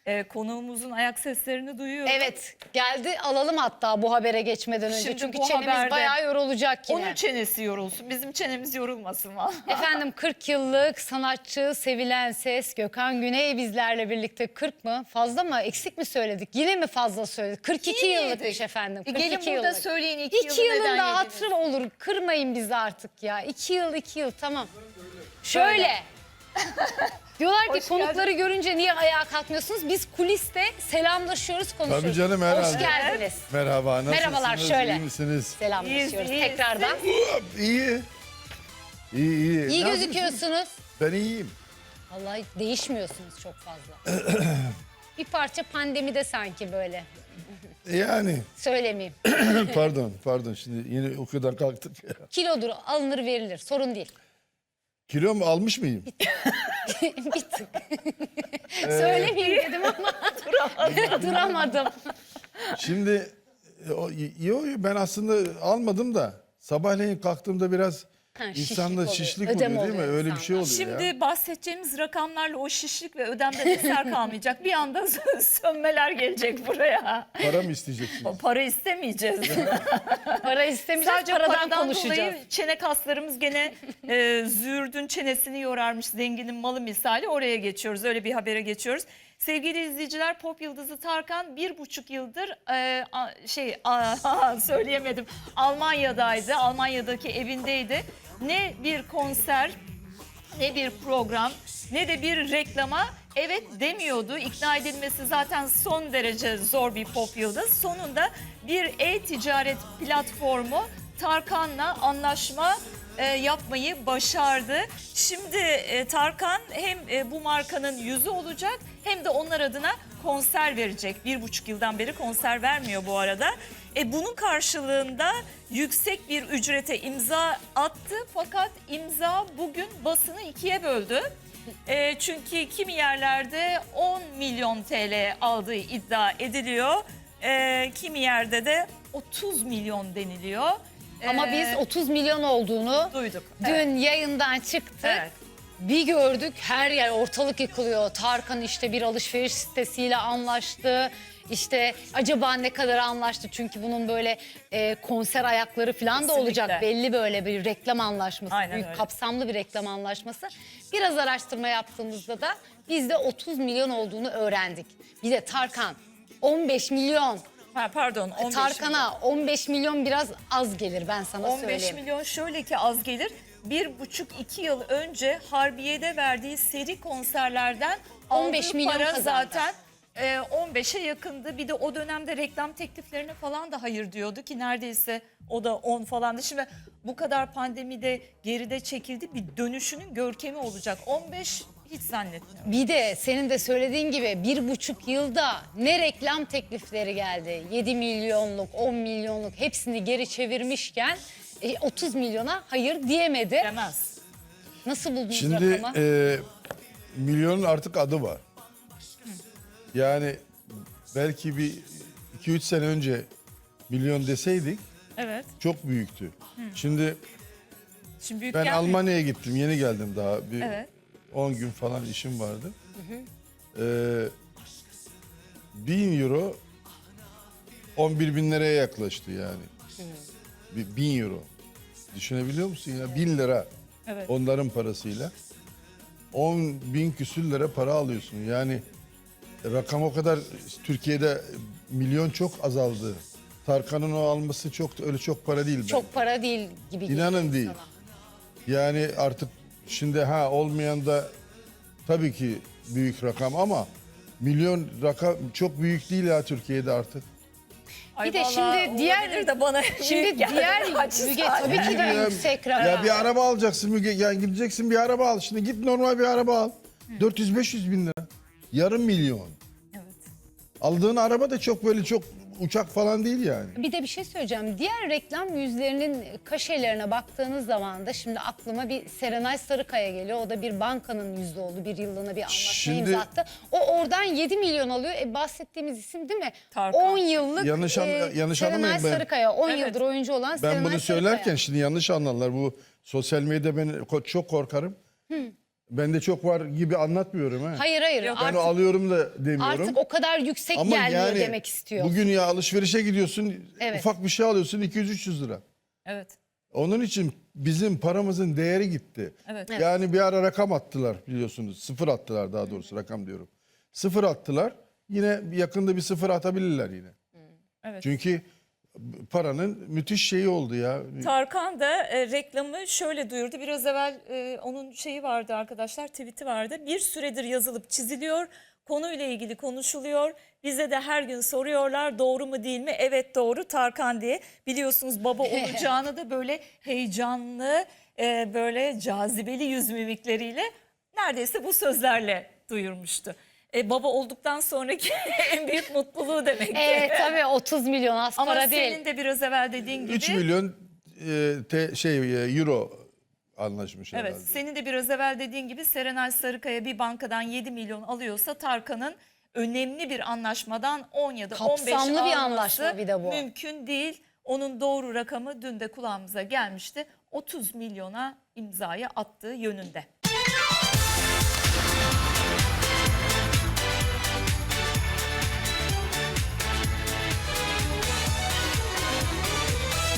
Konuğumuzun ayak seslerini duyuyorum. Evet, geldi, alalım hatta bu habere geçmeden önce. Şimdi çünkü bu çenemiz haberde bayağı yorulacak yine. Onun çenesi yorulsun, bizim çenemiz yorulmasın valla. Efendim 40 yıllık sanatçı, sevilen ses Gökhan Güney bizlerle birlikte. 40 mı? Fazla mı? Eksik mi söyledik? Yine mi fazla söyledik? 42 İyi yıllıkmış miydik? efendim. Gelin 42 burada yıllık. söyleyin 2 yılı yılın neden da yediniz? hatırı olur. Kırmayın bizi artık ya. 2 yıl, 2 yıl tamam. Şöyle. Diyorlar ki Hoş konukları görünce niye ayağa kalkmıyorsunuz? Biz kuliste selamlaşıyoruz, konuşuyoruz. Tabii canım, herhalde. Hoş geldiniz. Merhaba, nasılsınız? Merhabalar, şöyle. İyi misiniz? Selamlaşıyoruz İyiyiz, tekrardan. İyi. İyi. İyi Ne gözüküyorsunuz. Ben iyiyim. Vallahi değişmiyorsunuz çok fazla. Bir parça pandemide sanki böyle. Yani Söylemeyeyim. pardon şimdi yine o kadar kalktık ya. Kilodur, alınır verilir. Sorun değil. Kilo mu almış mıyım? Bir tık. Söylemeyeyim dedim ama duramadım. Şimdi ben aslında almadım da sabahleyin kalktığımda biraz şişlik insanda oluyor, şişlik ödem oluyor değil mi? oluyor Öyle bir şey oluyor Şimdi ya. bahsedeceğimiz rakamlarla o şişlik ve ödemde eser kalmayacak. Bir anda sönmeler gelecek buraya. Para mı isteyeceksiniz? O para istemeyeceğiz. Para istemeyeceğiz, Sadece paradan paradan konuşacağız. dolayı çene kaslarımız gene züğürdün çenesini yorarmış, zenginin malı misali, oraya geçiyoruz. Öyle bir habere geçiyoruz. Sevgili izleyiciler, pop yıldızı Tarkan 1,5 yıldır söyleyemedim. Almanya'daydı. Almanya'daki evindeydi. Ne bir konser, ne bir program, ne de bir reklama evet demiyordu. İkna edilmesi zaten son derece zor bir pop yıldız. Sonunda bir e-ticaret platformu Tarkan'la anlaşma yapmayı başardı. Şimdi Tarkan hem bu markanın yüzü olacak hem de onlar adına konser verecek. 1,5 yıldan beri konser vermiyor bu arada. Bunun karşılığında yüksek bir ücrete imza attı. Fakat imza bugün basını ikiye böldü. Çünkü kimi yerlerde 10 milyon TL aldığı iddia ediliyor. Kimi yerde de 30 milyon deniliyor. Ama biz 30 milyon olduğunu duyduk. Dün yayından çıktık. Evet. Bir gördük, her yer ortalık yıkılıyor. Tarkan işte bir alışveriş sitesiyle anlaştı. İşte acaba ne kadar anlaştı? Çünkü bunun böyle konser ayakları falan da Kesinlikle. olacak. Belli böyle bir reklam anlaşması. Aynen Büyük öyle. kapsamlı bir reklam anlaşması. Biraz araştırma yaptığımızda da biz de 30 milyon olduğunu öğrendik. Bir de Tarkan 15 milyon. Pardon, 15 milyon. Tarkan'a 15 milyon biraz az gelir, ben sana 15 söyleyeyim. milyon şöyle ki az gelir. 1,5-2 yıl önce Harbiye'de verdiği seri konserlerden 15 aldığı milyon para kazandı. zaten 15'e yakındı. Bir de o dönemde reklam tekliflerine falan da hayır diyordu ki neredeyse o da 10 falandı. Şimdi bu kadar pandemide geride çekildi, bir dönüşünün görkemi olacak. 15 hiç zannetmiyorum. Bir de senin de söylediğin gibi 1,5 yılda ne reklam teklifleri geldi. 7 milyonluk, 10 milyonluk hepsini geri çevirmişken 30 milyona hayır diyemedi. Demez. Nasıl buldunuz Şimdi rakamı? milyonun artık adı var. Yani belki bir 2-3 sene önce milyon deseydik Evet. çok büyüktü. Şimdi Şimdi büyük ben gelmiyor. Almanya'ya gittim. Yeni geldim daha. Bir Evet. 10 gün falan işim vardı. 1000 euro 11 bin liraya yaklaştı yani. 1000 euro. Düşünebiliyor musun ya? 1000 lira. Evet. Onların parasıyla. 10 bin küsür lira para alıyorsun. Yani rakam o kadar, Türkiye'de milyon çok azaldı. Tarkan'ın o alması öyle çok para değil. Çok para değil gibi geliyor İnanın değil. sana. Yani artık şimdi olmayan da tabii ki büyük rakam ama milyon rakam çok büyük değil ya Türkiye'de artık. Ay Bir de vallahi şimdi diğer- olabilir de bana Şimdi büyük geldi. diğer Naçizane. Müge tabii ki de Ya- yüksek rakam. Ya bir araba alacaksın Müge, ya gideceksin bir araba al. Şimdi git normal bir araba al. 400-500 bin lira. Yarım milyon. Evet. Aldığın araba da çok böyle çok uçak falan değil yani. Bir de bir şey söyleyeceğim. Diğer reklam yüzlerinin kaşelerine baktığınız zaman da şimdi aklıma bir Serenay Sarıkaya geliyor. O da bir bankanın yüzü oldu. Bir yıllığına bir anlaşma Şimdi- imza attı. O oradan 7 milyon alıyor. Bahsettiğimiz isim değil mi? Tarkan. 10 yıllık Yanlış Serenay anlamayın ben. Sarıkaya. 10 Evet. yıldır oyuncu olan Serenay Ben bunu Sarıkaya. söylerken şimdi yanlış anlarlar. Bu sosyal medyada ben çok korkarım. Bende çok var gibi anlatmıyorum ha. Hayır hayır Yok, Ben artık, alıyorum da demiyorum. artık o kadar yüksek Ama gelmiyor yani demek istiyor. bugün ya alışverişe gidiyorsun, Evet. ufak bir şey alıyorsun 200-300 lira. Evet. Onun için bizim paramızın değeri gitti. Evet. Yani bir ara rakam attılar biliyorsunuz. Sıfır attılar daha doğrusu, rakam diyorum. Sıfır attılar. Yine yakında bir sıfır atabilirler yine. Evet. Çünkü paranın müthiş şeyi oldu ya. Tarkan da reklamı şöyle duyurdu. Biraz evvel onun şeyi vardı arkadaşlar, tweet'i vardı. Bir süredir yazılıp çiziliyor. Konuyla ilgili konuşuluyor. Bize de her gün soruyorlar doğru mu değil mi? Evet doğru Tarkan diye. Biliyorsunuz baba olacağını da böyle heyecanlı, böyle cazibeli yüz mimikleriyle neredeyse bu sözlerle duyurmuştu. Baba olduktan sonraki en büyük mutluluğu demek. Evet tabii 30 milyon az Ama para değil. senin de biraz evvel dediğin gibi. 3 milyon euro anlaşmış Evet, herhalde. senin de biraz evvel dediğin gibi Serenay Sarıkaya bir bankadan 7 milyon alıyorsa Tarkan'ın önemli bir anlaşmadan 10 ya da 15 Kapsamlı bir alması anlaşma bir de bu. mümkün değil. Onun doğru rakamı dün de kulağımıza gelmişti. 30 milyona imzayı attığı yönünde.